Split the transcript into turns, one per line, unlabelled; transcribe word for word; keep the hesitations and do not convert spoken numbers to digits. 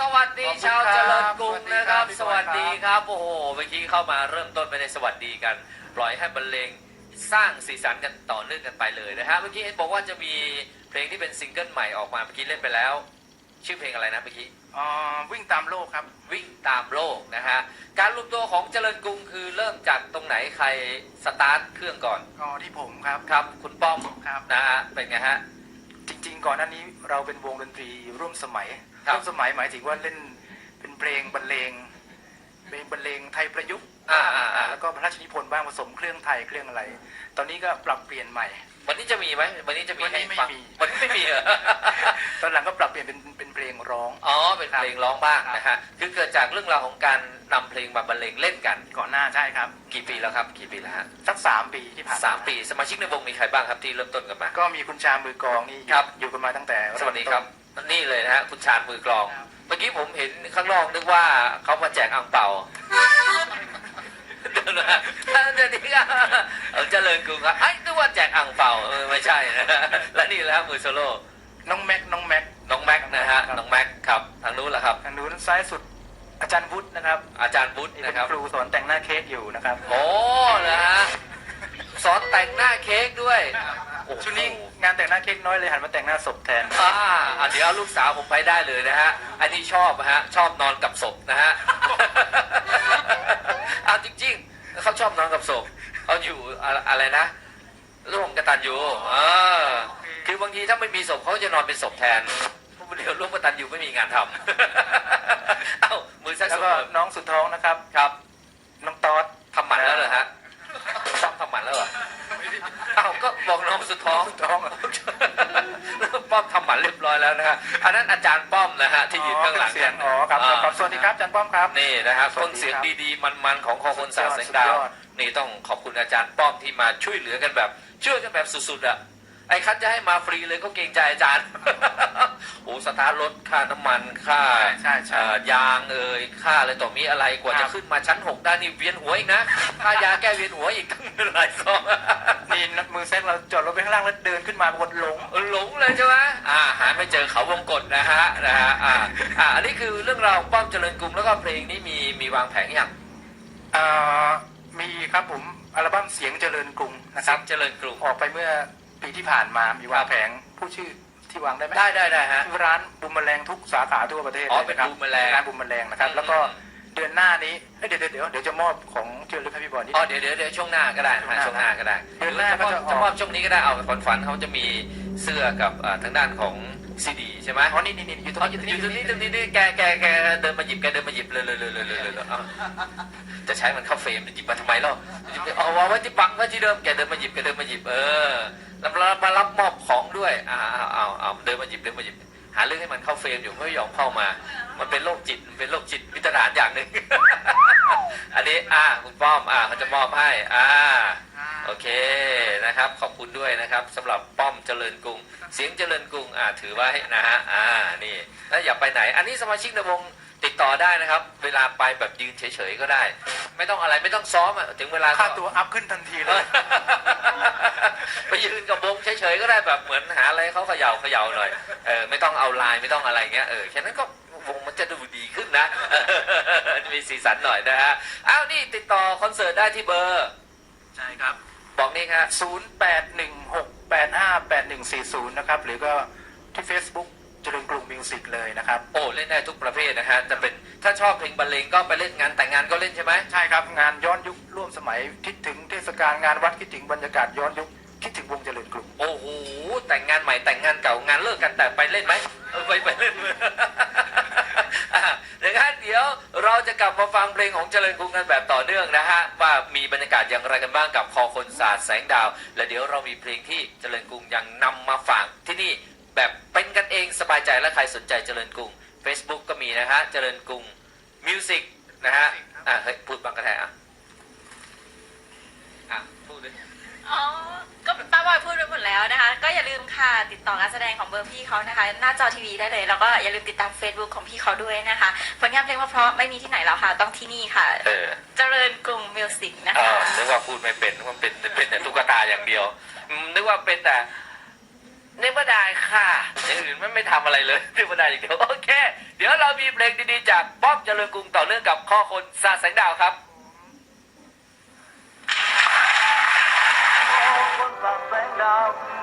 วัสดีชาวเจริญกรุงนะครับสวัสดีครับโอ้โหเมื่อกี้เข้ามาเริ่มต้นไม่ได้สวัสดีกันปล่อยให้บรรเลงสร้างสีสันกันต่อเนื่องกันไปเลยนะฮะเมื่อกี้เห็นบอกว่าจะมีเพลงที่เป็นซิงเกิลใหม่ออกมาเมื่อกี้เล่นไปแล้วชื่อเพลงอะไรนะเมื่อกี้
อ๋อวิ่งตามโลกครับ
วิ่งตามโลกนะฮะการรวมตัวของเจริญกรุงคือเริ่มจากตรงไหนใครสตาร์ทเครื่องก่อน
อ๋อที่ผมครับ
ครับคุณป้อม
ครับ
นะฮะเป็นไงฮะ
จริงๆก่อนหน้านี้เราเป็นวงดนตรีร่วมสมัยร่วมสมัยหมายถึงว่าเล่นเป็นเพลงบรรเลงเป็นบรรเลงไทยประยุกต์แล้วก็พระราชนิพนธ์บ้างผสมเครื่องไทยเครื่องอะไรตอนนี้ก็ปรับเปลี่ยนใหม่
วันนี้จะมีไหมวันนี้จะมี
ให้ฟัง
วันนี้ไม่มีเหรอ
ตอนหลังก็ปรับเปลี่ยนเป็นเป็นเพลงร้อง
อ๋อเป็นเพลงร้องบ้างนะฮะคือเกิดจากเรื่องราวของการนำเพลงมาบรรเลงเล่นกัน
ก่อนหน้าใช่ครับ
กี่ปีแล้วครับกี่ปีแล้วฮะ
สักสามปีที่ผ่าน
สามปีสมาชิกในวงมีใครบ้างครับที่เริ่มต้นกันมา
ก็มีคุณชามือกลองนี่อยู่กันมาตั้งแต่
สวัสดีครับนี่เลยนะฮะคุณชาญมือกลองเมื่อกี้ผมเห็นข้างนอกนึกว่าเขามาแจกอ่างเปาเดี๋ยวนะเดี๋ยวนี้เอาเจริญกรุงครับไอ้นึกว่าแจกอ่างเปาเออไม่ใช่นะและนี่แหละมือโซโล่
น้องแม็กน้องแม็ก
น้องแม็กนะฮะน้องแม็กครับทางนู้นแหละครับ
ทางนู้นซ้ายสุดอาจารย์วุฒินะครับ
อาจารย์วุฒินะครับ
ครูสอนแต่งหน้าเค้กอยู่นะครับ
โอ้นะฮะสอนแต่งหน้าเค้กด้วย
ช่วงนี้งานแต่งหน้าเค้กน้อยเลยหันมาแต่งหน้าศพแทน
อ่าเดี๋ยวลูกสาวผมไปได้เลยนะฮะอันนี้ชอบฮะชอบนอนกับศพนะฮะเอาจริงๆเขาชอบนอนกับศพเขาอยู่อะไรนะร่วมกตัญญูอ่าคือบางทีถ้าไม่มีศพเขาจะนอนเป็นศพแทนเดี๋ยวร่วมกตัญญูไม่มีงานทำเอ้ามือซ้าย
แล้วก็น้องสุดท้องนะครับ
ครับ
น้องตอด
ทำหมันแล้วเหรอฮะซ้อมทำหมันแล้วเหรอเอ้าก็บอกน้องสุดท้อง
ท้อง
ป้อมทำหมันเรียบร้อยแล้วนะฮะอันนั้นอาจารย์ป้อมนะฮะที่ยืนข้างหลัง
เสียงอ๋อครับสวัสดีครับอาจารย์ป้อมครับ
นี่นะครับต้นเสียงดีๆมันๆของคอคนศาสตร์แสงดาวนี่ต้องขอบคุณอาจารย์ป้อมที่มาช่วยเหลือกันแบบช่วยกันแบบสุดๆอ่ะไอ้คันจะให้มาฟรีเลยก็เกรงใจอาจารย์โอ้สตาร์ทรถค่าน้ำมันค่ายางเอ่ยค่าอะไรต่อมีอะไรกว่าจะขึ้นมาชั้นหกได้นี่เวียนหัวอีกนะค่ายาแก้เวียนหัวอีกตั้งหลายซอง
นี่มือแซกเราจอดรถไปข้างล่างแล้วเดินขึ้นมาบนหลง
หลงเลยใช่ไหมอ่าหาไม่เจอเขาวงกฏนะฮะนะฮะอ่าอ่าอันนี้คือเรื่องราวป้อมเจริญกรุงแล้วก็เพลงนี้มีมีวางแผงอย่าง
อ่ามีครับผมอัลบั้มเสียงเจริญกรุงนะครับ
เจริญกรุง
ออกไปเมื่อปีที่ผ่านมามีวางแผงผู้ชื่อที่วางได้ไหม
ได้ได้ได้ฮะ
ร้านบุมแมลงทุกสาขาทั่วประเทศ
อ๋อเป็นบุมแมลง
ร้านบุมแมลงนะครับแล้วก็เดือนหน้านี้เดี๋ยวเดี๋ยวเดี๋ยวเดี๋ยวจะมอบของเจริญให้พี่บอลนี่
อ๋อเดี๋ยวเดี๋ยวเดี๋ยวช่วงหน้าก็ได้ช่วงหน้าก็ได้
เดือนหน้าก็จะ
จะมอบช่วงนี้ก็ได้เอาฝันฝันเขาจะมีเสื้อกับทางด้านของซีดีใช่ไหม
อ๋อนี่นี่นี่อยู่ตรงนี้
อยู่ตรงนี้ตรงนี้แกแกแกเดินมาหยิบแกเดินมาหยิบเลยเลยเลยเลยเลยเลยจะใช้มันเข้าเฟรมจะหยิบมาทำไมล่ะเอาไว้ที่ปังไว้ที่เดิมแกเดินมาหยิบแกเดินมาหยิบเออแล้วมารับมอบของด้วยอ่าเอาเอาเอาเดินมาหยิบเดินมาหยิบหาเรื่องให้มันเข้าเฟรมอยู่ไม่ยอมเข้ามามันเป็นโรคจิตมันเป็นโรคจิตวิตรานอย่างหนึ่งอันนี้อ่าคุณป้อมอ่าเขาจะมอบให้อ่าโอเคนะครับขอบคุณด้วยนะครับสำหรับป้อมเจริญกรุงเสียงเจริญกรุงอ่าถือไว้นะฮะอ่านี่แล้วอย่าไปไหนอันนี้สมาชิกในวงติดต่อได้นะครับเวลาไปแบบยืนเฉยๆก็ได้ไม่ต้องอะไรไม่ต้องซ้อมอ่ะถึงเวลา
ค่าตัวอัพขึ้นทันทีเลย
ไปยืนกับวงเฉยๆก็ได้แบบเหมือนหาอะไรเขาเขย่าเขย่าหน่อยเออไม่ต้องเอาลายไม่ต้องอะไรเงี้ยเออแค่นั้นก็วงมันจะดูดีขึ้นนะมีสีสันหน่อยนะฮะอ้าวนี่ติดต่อคอนเสิร์ตได้ที่เบอร์
ใช่ครับ
บอกนี่ครับ
ศูนย์แปดหนึ่งหกแปดห้าแปดหนึ่งสี่ศูนย์นะครับหรือก็ที่ Facebookเจริญกรุงมิวสิกเลยนะครับ
โอ้เล่นได้ทุกประเภทนะฮะจะเป็นถ้าชอบเพลงบรรเลงก็ไปเล่นงานแต่งงานก็เล่นใช่ไหม
ใช่ครับงานย้อนยุคร่วมสมัยคิดถึงเทศกาลงานวัดคิดถึงบรรยากาศย้อนยุคคิดถึงวงเจริญกรุง
โอ้โหแต่งงานใหม่แต่งงานเก่างานเลิกกันแต่ไปเล่นไหมไปไปเล่นดังนั้นเดี๋ยวเราจะกลับมาฟังเพลงของเจริญกรุงกันแบบต่อเนื่องนะฮะว่ามีบรรยากาศอย่างไรกันบ้างกับคอคนศาสตร์แสงดาวและเดี๋ยวเรามีเพลงที่เจริญกรุงยังนำมาฝากที่นี่แบบเป็นกันเองสบายใจและใครสนใจเจริญกรุง Facebook ก็มีนะฮะเจริญกรุงมิวสิกนะฮะอ่ะเฮ้ยพูดบังกระแทอ่ะอ่ะพูดเลย
อ๋อก็ป้าบอยพูดไปหมดแล้วนะคะก็อย่าลืมค่ะติดต่อการแสดงของเบอร์พี่เขานะคะหน้าจอทีวีได้เลยแล้วก็อย่าลืมติดตาม Facebook ของพี่เขาด้วยนะคะผลงานเพลงเพราะไม่มีที่ไหนแล้วค่ะต้องที่นี่ค่ะเออเจริญกรุงมิวสิกนะคะ
นึกว่าพูดไม่เป็นนึกว่าเป็นเป็นแต่ตุ๊กตาอย่างเดียวนึกว่าเป็นแต่นึกว่าได้ค่ะอย่างอื่นไม่ไม่ทำอะไรเลยนึกว่าได้อย่างเดียวโอเค เดี๋ยวเรามีเพลงดีๆจากป้อมเจริญกรุงต่อเนื่องกับข้อคนซาแสงดาวครับ
คนสาดแสงดาว